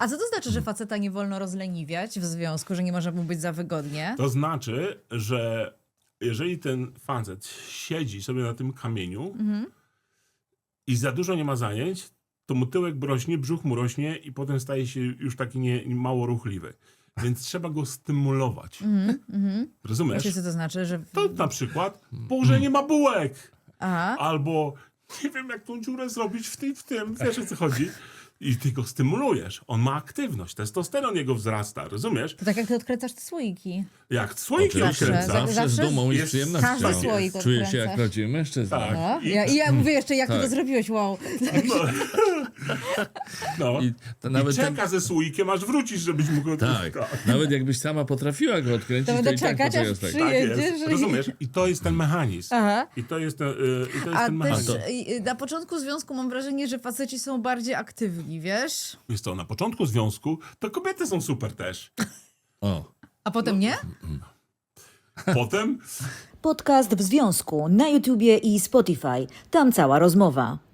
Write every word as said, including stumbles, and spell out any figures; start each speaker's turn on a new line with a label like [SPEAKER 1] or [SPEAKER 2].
[SPEAKER 1] A co to znaczy, że faceta nie wolno rozleniwiać w związku, że nie może mu być za wygodnie?
[SPEAKER 2] To znaczy, że jeżeli ten facet siedzi sobie na tym kamieniu
[SPEAKER 1] Mhm.
[SPEAKER 2] i za dużo nie ma zajęć, to mu tyłek rośnie, brzuch mu rośnie i potem staje się już taki nie, mało ruchliwy. Więc trzeba go stymulować.
[SPEAKER 1] Mhm, mhm.
[SPEAKER 2] Rozumiesz?
[SPEAKER 1] Wiecie, co to znaczy, że...
[SPEAKER 2] To na przykład położenie ma bułek.
[SPEAKER 1] Aha.
[SPEAKER 2] Albo nie wiem, jak tą dziurę zrobić w tym, w tym. Wiesz, o co chodzi? I ty go stymulujesz. On ma aktywność. Testosteron jego wzrasta. Rozumiesz?
[SPEAKER 1] To tak jak ty odkręcasz te słoiki.
[SPEAKER 2] Jak słoiki
[SPEAKER 3] Oczywiście,
[SPEAKER 1] Zawsze.
[SPEAKER 2] odkręca.
[SPEAKER 3] zawsze z
[SPEAKER 1] Zawsze
[SPEAKER 3] dumą i z
[SPEAKER 2] jest-
[SPEAKER 3] przyjemnością.
[SPEAKER 1] każdy słoik
[SPEAKER 3] Czuje się
[SPEAKER 1] odkręcasz.
[SPEAKER 3] jak prawdziwy mężczyzna.
[SPEAKER 2] Tak.
[SPEAKER 1] No.
[SPEAKER 2] I-
[SPEAKER 1] Ja, I ja mówię jeszcze, jak ty
[SPEAKER 3] Tak.
[SPEAKER 1] to zrobiłeś, wow.
[SPEAKER 2] No. No.
[SPEAKER 3] I
[SPEAKER 2] I,
[SPEAKER 3] to nawet ten,
[SPEAKER 2] czeka ze słoikiem, aż wrócisz, żebyś mógł...
[SPEAKER 3] tak, nawet jakbyś sama potrafiła go odkręcić,
[SPEAKER 1] To
[SPEAKER 3] to,
[SPEAKER 1] będę
[SPEAKER 3] i tak
[SPEAKER 1] czekać, aż
[SPEAKER 3] poczekasz tak.
[SPEAKER 1] przyjdzie.
[SPEAKER 2] Tak jest.
[SPEAKER 1] Jedziesz i-
[SPEAKER 2] Rozumiesz? I to jest ten mechanizm.
[SPEAKER 1] Aha.
[SPEAKER 2] I to jest ten, y, i to jest
[SPEAKER 1] A
[SPEAKER 2] ten
[SPEAKER 1] też
[SPEAKER 2] mechanizm.
[SPEAKER 1] y, na początku związku mam wrażenie, że faceci są bardziej aktywni, wiesz?
[SPEAKER 2] Wiesz co, na początku związku to kobiety są super też.
[SPEAKER 3] O.
[SPEAKER 1] A potem nie?
[SPEAKER 2] Potem
[SPEAKER 4] Podcast w związku na YouTubie i Spotify. Tam cała rozmowa.